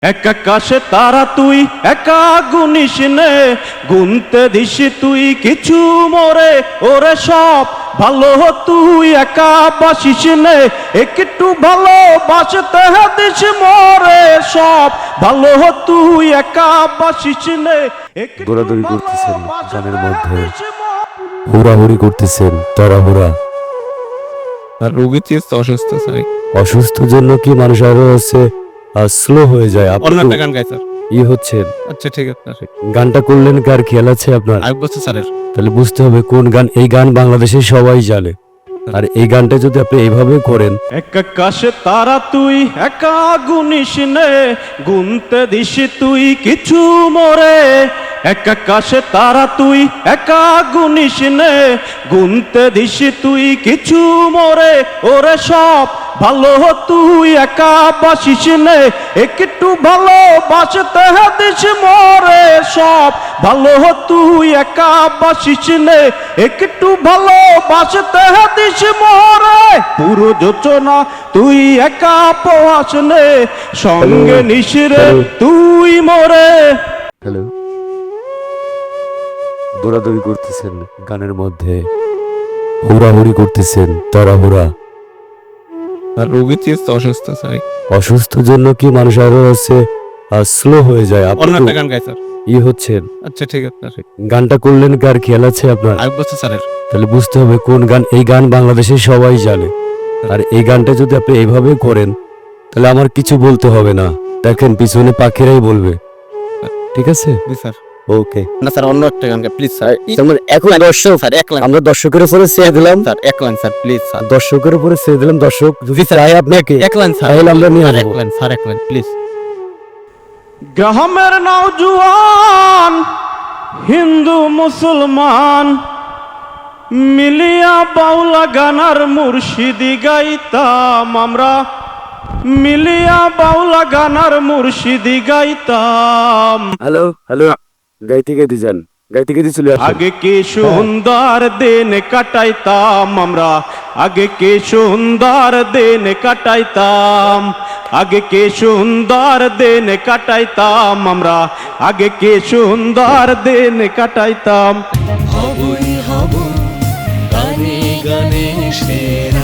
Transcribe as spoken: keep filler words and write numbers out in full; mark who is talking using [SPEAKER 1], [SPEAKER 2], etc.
[SPEAKER 1] এক আকাশে তারা তুই একা গুনিস নে, গুনতে দিস তুই কিছু মোরে, ওরে সব ভালো তুই একা বাসিস নে, একটু ভালো বাসতে দিস মোরে, সব ভালো তুই একা বাসিস নে।
[SPEAKER 2] দৌড়াদৌড়ি করতেছেন গানের মধ্যে, হুড়াহুড়ি করতেছেন তাড়াহুড়া।
[SPEAKER 3] আর রোগী চেয়ে অসুস্থ স্যার,
[SPEAKER 2] অসুস্থ জন্য কি মানুষ আরো হচ্ছে স্লো হয়ে যায়?
[SPEAKER 3] অন্য
[SPEAKER 2] আপনি
[SPEAKER 3] একটা গান গাই স্যার।
[SPEAKER 2] ই হচ্ছেন,
[SPEAKER 3] আচ্ছা ঠিক আছে স্যার,
[SPEAKER 2] গানটা করলেন কার খেয়াল আছে আপনার?
[SPEAKER 3] আরেক বছর স্যারের।
[SPEAKER 2] তাহলে বুঝতে হবে কোন গান। এই গান বাংলাদেশে সবাই জানে, আর এই গানটা যদি আপনি এইভাবে করেন,
[SPEAKER 1] এক আকাশে তারা তুই একা গুনিস নে, গুনতে দিস তুই কিছু মোরে, এক আকাশে তারা তুই একা গুনিস নে, গুনতে দিস তুই কিছু মোরে, ওরে সব ভালো তুই একা বাসিস নে, একটু ভালো বাসতে দিস মোরে, সব ভালো তুই একা বাসিস নে, একটু ভালো বাসতে দিস মোরে, পুরো যোচনা তুই একা পোয়াস নে, সঙ্গে নিশিরে তুই মোরে।
[SPEAKER 2] হ্যালো, দৌড়াদৌড়ি করতেছেন গানের মধ্যে, হুড়াহুড়ি করতেছেন তাড়াহুড়া।
[SPEAKER 3] আর রোগী চেয়ে অসুস্থ স্যার,
[SPEAKER 2] অসুস্থ জন্য কি মানুষ আরো হচ্ছে স্লো হয়ে যায়?
[SPEAKER 3] অন্য
[SPEAKER 2] আপনি
[SPEAKER 3] একটা গান গাই স্যার।
[SPEAKER 2] ই হচ্ছেন,
[SPEAKER 3] আচ্ছা ঠিক আছে স্যার,
[SPEAKER 2] গানটা করলেন কার খেয়াল আছে আপনার?
[SPEAKER 3] আরেক বছর স্যারের।
[SPEAKER 2] তাহলে বুঝতে হবে কোন গান। এই গান বাংলাদেশে সবাই জানে, আর এই গানটা যদি আপনি এইভাবে করেন, তাহলে আমার কিছু বলতে হবে না। দেখেন পিছনে পাখিরাই বলবে। ঠিক আছে,
[SPEAKER 3] জি স্যার।
[SPEAKER 2] ওকে।
[SPEAKER 3] না স্যার, অন্য একটা গান গাই প্লিজ স্যার।
[SPEAKER 2] এখন দর্শক
[SPEAKER 3] স্যার এক লাইন
[SPEAKER 2] আমরা দর্শকের উপরে চেয়ে দিলাম,
[SPEAKER 3] স্যার, এক লাইন স্যার প্লিজ স্যার।
[SPEAKER 2] দর্শকের উপরে চেয়ে দিলাম। দর্শক যদি চাই আপনাকে,
[SPEAKER 3] এক লাইন স্যার,
[SPEAKER 2] তাহলে আমরা নিয়ে
[SPEAKER 3] আর এক
[SPEAKER 2] আসবো।
[SPEAKER 3] লাইন স্যার, এক লাইন প্লিজ।
[SPEAKER 1] গ্রামের নওজোয়ান হিন্দু মুসলমান মিলিয়া বাউলা গানার মুর্শিদি গাইতাম আমরা, মিলিয়া বাউলা গানার মুর্শিদি গাইতাম।
[SPEAKER 2] হ্যালো হ্যালো, গাইতে গাইতে যান, গাইতে গাইতে চলে আসেন।
[SPEAKER 1] আগে কি সুন্দর দিন কাটাইতাম আমরা, আগে কি সুন্দর দিন কাটাইতাম, আগে কি সুন্দর দিন কাটাইতাম আমরা, আগে কি সুন্দর দিন কাটাইতাম।
[SPEAKER 4] হবই হব গানে গানে সেরা।